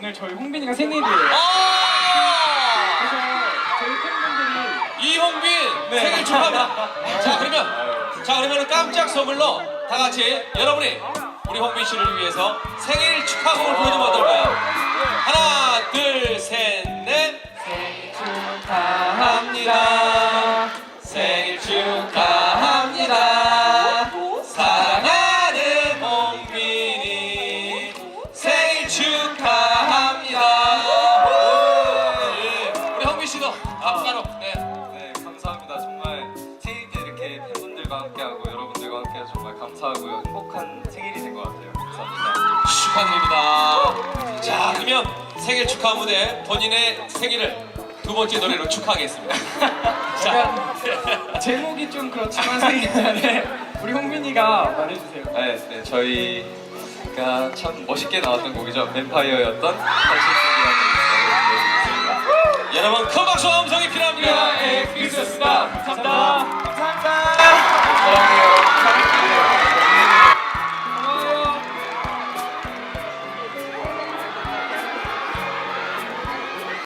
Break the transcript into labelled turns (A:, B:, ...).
A: 오늘 저희 홍빈이가 생일이에요. 그래서 저희 팬분들이
B: 이홍빈
A: 네.
B: 생일 축하합니다. 자 그러면 깜짝 선물로 다 같이 여러분이 우리 홍빈 씨를 위해서 생일 축하곡을 불러주면 어떨까요? 하나, 둘, 셋, 넷.
A: 생일 축하합니다.
B: 생일 축하합니다. 사랑하는 홍빈이 생일 축하합니다. 우리 홍빈 씨도 바로 네.
C: 네, 감사합니다. 정말 생일 때 이렇게 팬분들과 함께하고 여러분들과 함께해서 정말 감사하고요. 행복한 생일이 된 것 같아요. 감사합니다.
B: 축하드립니다. 자, 그러면 생일 축하 무대 본인의 생일을 두 번째 노래로 축하하겠습니다. 자,
A: 제목이 좀 그렇지만 생일인데 우리 홍빈이가 말해주세요.
C: 네, 저희가 참 멋있게 나왔던 곡이죠. 뱀파이어였던 현실적이라는 곡을 들려드리겠습니다.
B: 여러분 큰 박수와 음성이 필요합니다.